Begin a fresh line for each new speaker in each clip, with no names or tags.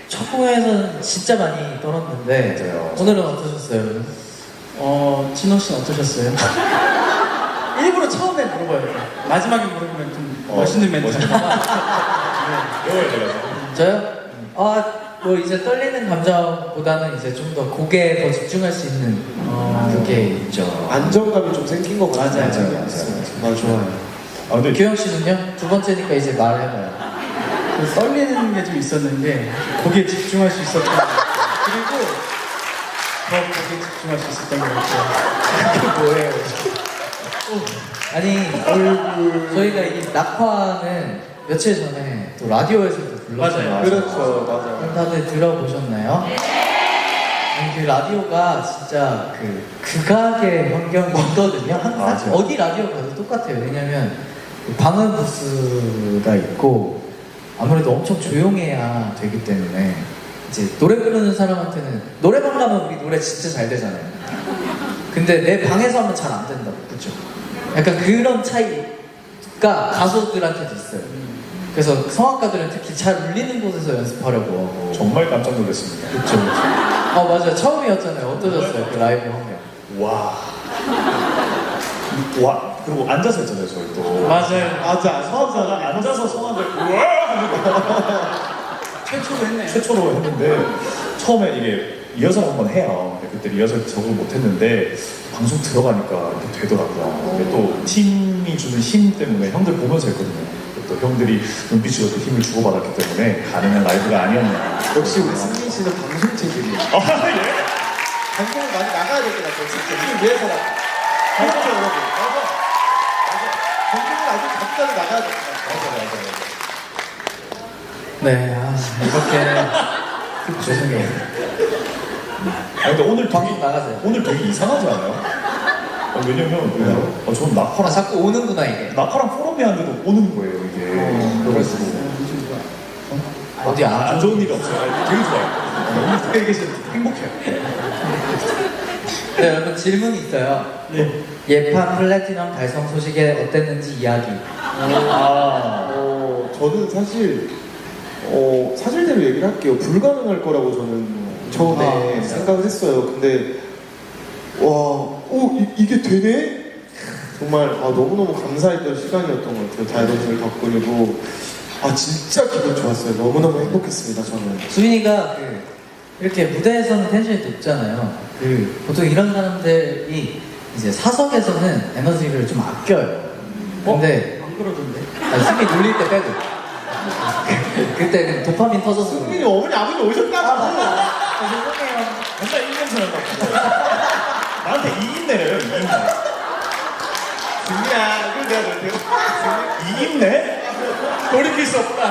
첫 공연에서는 진짜 많이 떨었는데
맞아요.
오늘은 어떠셨어요, 여러분?
진호 씨는 어떠셨어요? 일부러 처음에 물어봐요. 마지막에 물어보면 좀 멋있는 멘트니까.
배워야 돼요.
저요? 뭐 이제 떨리는 감정보다는 이제 좀 더 곡에 더 집중할 수 있는 그게 있죠.
안정감이 좀 생긴 것 같아요.
맞아요.
좋아요.
아 근데
규영 씨는요? 두 번째니까 이제 말해봐요.
그 떨리는 게 좀 있었는데 거기에 집중할 수 있었던 그리고 더 거기에 집중할 수 있었던 것 같아요.
그게 뭐예요? 아니 저희가 이 낙화는 며칠 전에 또 라디오에서도 불렀잖아요.
맞아요.
그렇죠, 맞아요.
그럼 다들 들어보셨나요? 아니, 그 라디오가 진짜 극악의 환경이 있거든요. 항상
맞아요.
어디 라디오 가도 똑같아요. 왜냐면 그 방음 부스가 있고 아무래도 엄청 조용해야 되기 때문에 이제 노래 부르는 사람한테는 노래방 가면 우리 노래 진짜 잘 되잖아요. 근데 내 방에서 하면 잘 안 된다고, 그렇죠? 약간 그런 차이가 가수들한테도 있어요. 그래서 성악가들은 특히 잘 울리는 곳에서 연습하려고 하고.
정말 깜짝 놀랐습니다.
그쵸. 맞아요. 처음이었잖아요. 어떠셨어요? 그 라이브 환경.
와. 와. 그리고 앉아서 했잖아요, 저희 또.
맞아요.
맞아.
성악가가 앉아서 성악을 우와!
최초로 했네요.
최초로 했는데 처음에 이게 리허설 한번 해요. 근데 그때 리허설 적응 못했는데 방송 들어가니까 이렇게 되더라고요. 근데 또 팀이 주는 힘 때문에 형들 보면서 했거든요. 또 형들이 눈빛으로 또 힘을 주고받았기 때문에 가능한 라이브가 아니었나.
역시 우리 승민 씨는 방송 체질이에요.
예?
방송을 많이 나가야 될 것 같아요. 진짜 이걸 위해서라도. 그렇죠, 여러분. 맞아. 방송을 아주 적절히 나가야 될 것 같아요.
네, 이렇게. 죄송해요.
아니 근데 오늘
방송 나가세요.
오늘 되게 이상하지 않아요? 왜냐면 저는 낙화랑
자꾸 오는구나, 이게.
낙화랑 포럼이 하는데도 오는 거예요 이게. 그래가지고
어디
안 좋은 일이 없어요. 아니, 되게 좋아요. 오늘 되게 행복해요.
네, 여러분 질문이 있어요.
네.
예판 플래티넘 달성 소식에 어땠는지 이야기.
저는 사실 사실대로 얘기를 할게요. 불가능할 거라고 저는 처음에 생각을 했어요. 근데 이게 되네? 정말 너무너무 감사했던 시간이었던 것 같아요. 다이버스를 덕분이고 진짜 기분 좋았어요. 너무너무 행복했습니다. 저는.
수빈이가 이렇게 무대에서는 텐션이 높잖아요. 보통 이런 사람들이 이제 사석에서는 에너지를 좀 아껴요. 근데
안 그러던데.
수빈이 놀릴 때 빼고. 그때 도파민 터져서.
승민이 어머니 아버지 오셨다고.
죄송해요.
맨날 이인냄새 난다고. 나한테 이인내래요, 이인내.
승민아, 이걸 내가 너한테
이인내?
돌이킬 수 없다.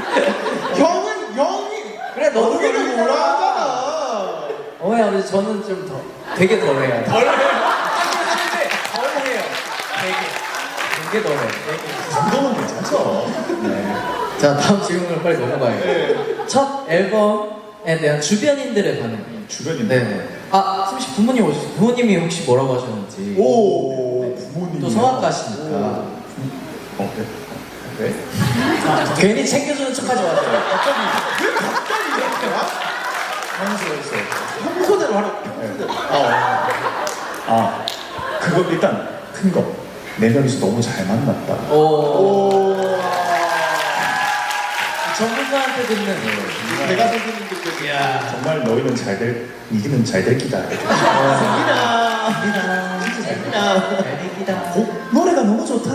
형이
그래, 너도
어머니를
돌리잖아.
뭐라 하잖아.
어머니 아버지 저는 좀 되게 덜해요. 덜해요. 되게 덜해요.
그 정도면 괜찮죠.
네. 자, 다음 질문으로 빨리 넘어가요. 첫 앨범에 대한 주변인들의 반응.
주변인데.
네. 승씨 부모님이 혹시 뭐라고 하셨는지.
오, 부모님.
또 성악가시니까.
네. 네?
괜히 챙겨주는 척하지 마세요.
갑자기 이렇게 와?
황소였어요.
평소대로 하라고. 평소대로.
그거 일단 큰 거. 네 명이서 너무 잘 만났다.
전문가한테 듣는.
내가 선생님들께
정말 너희는 이기는 잘 될 기다.
승민아.
애기다.
노래가 너무 좋다.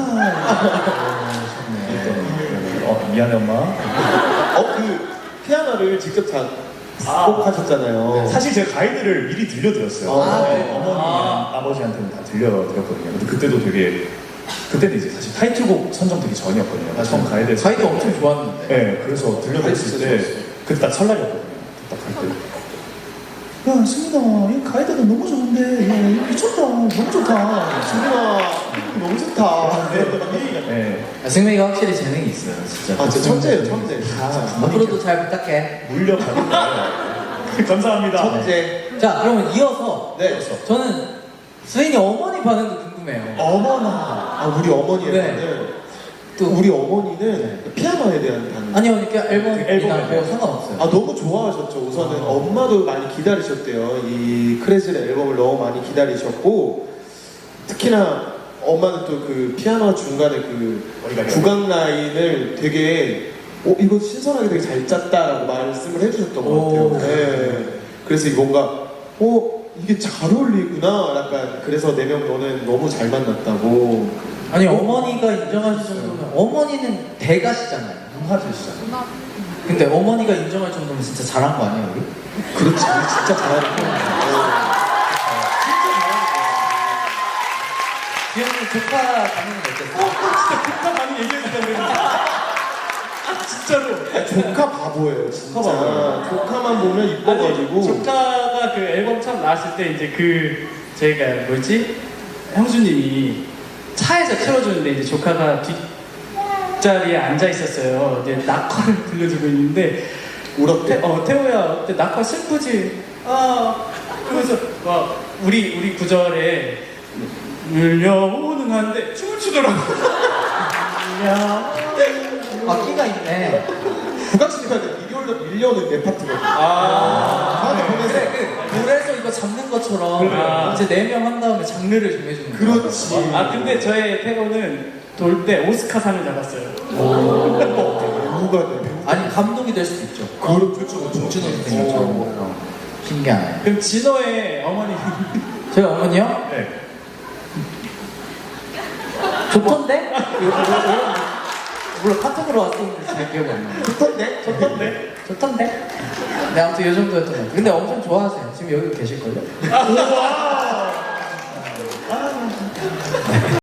미안해 엄마.
그 피아노를 직접 작곡하셨잖아요.
사실 제가 가이드를 미리 들려드렸어요.
네.
어머니랑 아버지한테는 다 들려드렸거든요. 근데 그때도 그때는 이제 사실 타이틀곡 선정되기 전이었거든요. 처음 가이드에서.
가이드 엄청 좋았는데.
네, 그래서 들려드렸을 때 그때 딱 설날이었거든요. 딱 갈 때. 야, 승민아, 이 가이드가 너무 좋은데, 야, 미쳤다, 너무 좋다.
승민아, 너무 좋다.
네,
승민이가 확실히 재능이 있어요, 진짜.
진짜 천재예요, 천재.
앞으로도 잘 부탁해.
물려가는 거예요. 감사합니다.
천재.
자, 그러면 이어서
네.
저는 수인이 어머니 반응도 궁금해요.
어머나. 우리 어머니의
네.
반응. 또 우리 어머니는 피아노에 대한 반응.
아니요, 그러니까
그 앨범에
앨범이나 뭐
대해서.
상관없어요.
아 너무 좋아하셨죠. 우선은 엄마도 많이 기다리셨대요. 이 크레즐의 앨범을 너무 많이 기다리셨고 특히나 엄마는 또 그 피아노 중간에 그 구강 라인을 되게 이거 신선하게 되게 잘 짰다라고 말씀을 해주셨던 것 같아요.
오.
네. 그래서 이 뭔가 이게 잘 어울리구나. 약간 그래서 4명 너는 너무 잘 만났다고.
아니 어머니가 인정하실 정도면 어머니는 대가시잖아요.
문화재시잖아요.
근데 어머니가 인정할 정도면 진짜 잘한 거 아니에요, 우리?
그렇지, 진짜 잘하는 거예요.
기영님 조카 반응은 어땠어요?
진짜 많이 얘기해준다 그랬는데. 진짜로.
조카 바보예요, 진짜.
조카 바보예요.
조카만 보면 이뻐가지고.
조카가 그 앨범 처음 나왔을 때 이제 저희가 형수님이 차에서 틀어주는데 이제 조카가 뒷자리에 앉아 있었어요. 이제 낙화를 들려주고 있는데
울었대.
태호야 어때 낙화 슬프지? 그러면서 막 우리 구절에 밀려오는 한데 춤을 추더라고.
아, 끼가 있네.
국악시간에 미디어로 밀려오는 내 파트거든.
아,
보면서.
그래서 이거 잡는 것처럼
그래.
이제 4명 한 다음에 장르를 정해주는 거예요.
그렇지.
근데 저의 태호는 돌 때 오스카상을 잡았어요.
배우가 돼, 배우.
아니 감동이 될 수도 있죠.
그렇죠.
봉준호 선생님처럼 신기하네.
그럼 진호의 어머니
저희 어머니요?
네.
좋던데? 물론 카톡으로 왔었는데 잘 기억이 안 나요.
좋던데?
좋던데?
좋던데? 네, 아무튼 이 정도였던 것 같아요. 근데 엄청 좋아하세요. 지금 여기 계실걸요?
우와